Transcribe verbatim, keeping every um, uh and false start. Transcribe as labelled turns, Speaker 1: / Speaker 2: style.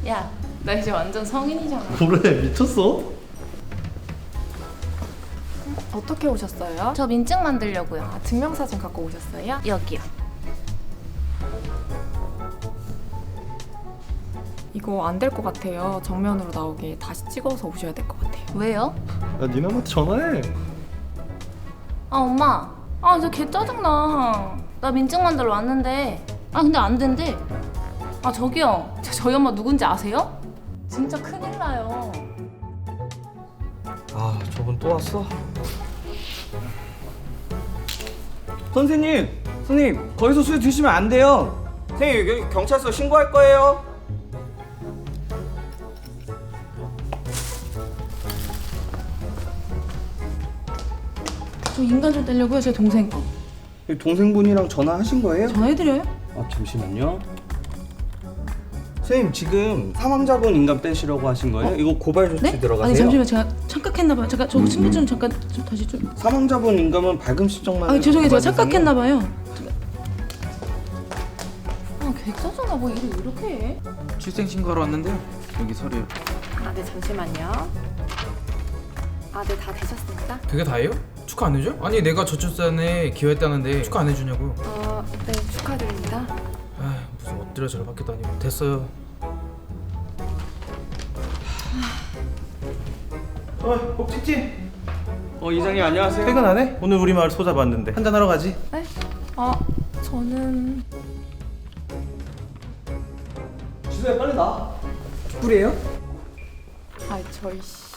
Speaker 1: 야, 나 이제 완전 성인이잖아.
Speaker 2: 그래 미쳤어?
Speaker 3: 어떻게 오셨어요?
Speaker 1: 저 민증 만들려고요.
Speaker 3: 아, 증명사진 갖고 오셨어요?
Speaker 1: 여기요.
Speaker 3: 이거 안 될 것 같아요. 정면으로 나오게 다시 찍어서 오셔야 될 것 같아요.
Speaker 1: 왜요?
Speaker 2: 야 니네 엄마한테 전화해.
Speaker 1: 아 엄마, 아 진짜 개 짜증나. 나 민증 만들러 왔는데 아 근데 안 된대. 아 저기요, 저, 저희 엄마 누군지 아세요? 진짜 큰일 나요.
Speaker 4: 아 저분 또 왔어? 선생님! 선생님 거기서 술 드시면 안 돼요. 선생님 여기 경찰서 신고할 거예요.
Speaker 5: 저 인간 좀 떼려고요. 제 동생 거.
Speaker 4: 동생분이랑 전화하신 거예요?
Speaker 5: 전화해드려요?
Speaker 4: 아 잠시만요. 선생님 지금 사망자분 인감 떼시려고 하신 거예요?
Speaker 5: 어?
Speaker 4: 이거 고발 조치
Speaker 5: 네?
Speaker 4: 들어가세요.
Speaker 5: 아니 잠시만 제가 착각했나봐요. 잠깐 저
Speaker 4: 음,
Speaker 5: 신분 좀
Speaker 4: 음.
Speaker 5: 잠깐 좀 다시 좀.
Speaker 4: 사망자분 인감은 발금 신청만.
Speaker 5: 아 죄송해요. 제가
Speaker 4: 고발
Speaker 5: 착각했나봐요.
Speaker 1: 아 개 짜증나. 뭐 일을 이렇게 해?
Speaker 6: 출생 신고하러 왔는데요. 여기 서류.
Speaker 3: 아, 네, 잠시만요. 아, 네, 다 되셨습니다.
Speaker 6: 그게 다예요? 축하 안 해줘? 아니 내가 저출산에 기여했다는데 축하 안 해주냐고.
Speaker 3: 어, 네, 축하드립니다.
Speaker 6: 아 무슨 엎드려 절받게 다니고. 됐어요.
Speaker 2: 어 꼭지지?
Speaker 4: 어 이장님 안녕하세요.
Speaker 2: 퇴근 안 해? 오늘 우리 마을 소 잡았는데 한잔 하러 가지.
Speaker 3: 네? 아, 저는...
Speaker 4: 지수야 빨리 나. 뿔이에요?
Speaker 3: 아, 저희 씨...